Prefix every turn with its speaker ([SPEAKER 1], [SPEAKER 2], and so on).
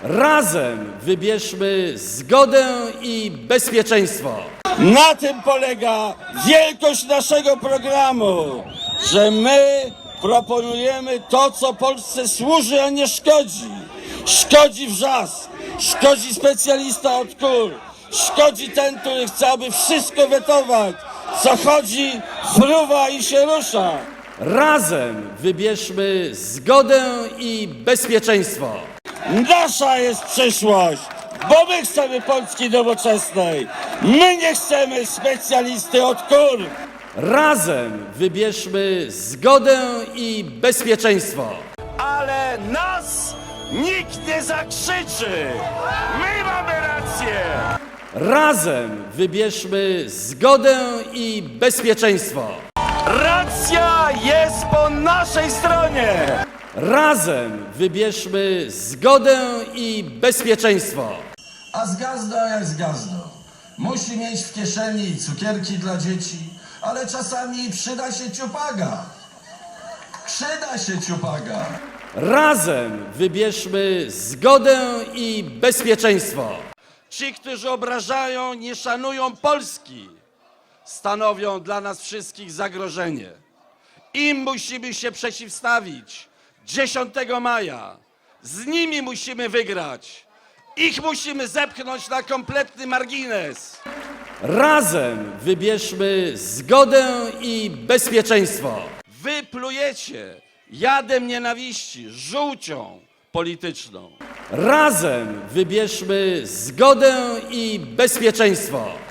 [SPEAKER 1] Razem wybierzmy zgodę i bezpieczeństwo.
[SPEAKER 2] Na tym polega wielkość naszego programu, że my proponujemy to, co Polsce służy, a nie szkodzi. Szkodzi wrzask, szkodzi specjalista od kul, szkodzi ten, który chce, aby wszystko wetować. Co chodzi, fruwa i się rusza.
[SPEAKER 1] Razem wybierzmy zgodę i bezpieczeństwo.
[SPEAKER 2] Nasza jest przyszłość, bo my chcemy Polski nowoczesnej. My nie chcemy specjalisty od kur.
[SPEAKER 1] Razem wybierzmy zgodę i bezpieczeństwo.
[SPEAKER 2] Ale nas nikt nie zakrzyczy. My mamy rację.
[SPEAKER 1] Razem wybierzmy zgodę i bezpieczeństwo.
[SPEAKER 2] Racja jest po naszej stronie.
[SPEAKER 1] Razem wybierzmy zgodę i bezpieczeństwo.
[SPEAKER 3] A z gazdo jak z gazdo. Musi mieć w kieszeni cukierki dla dzieci, ale czasami przyda się ciupaga. Przyda się ciupaga.
[SPEAKER 1] Razem wybierzmy zgodę i bezpieczeństwo.
[SPEAKER 2] Ci, którzy obrażają, nie szanują Polski, stanowią dla nas wszystkich zagrożenie. Im musimy się przeciwstawić 10 maja. Z nimi musimy wygrać. Ich musimy zepchnąć na kompletny margines.
[SPEAKER 1] Razem wybierzmy zgodę i bezpieczeństwo.
[SPEAKER 2] Wy plujecie jadem nienawiści, żółcią polityczną.
[SPEAKER 1] Razem wybierzmy zgodę i bezpieczeństwo.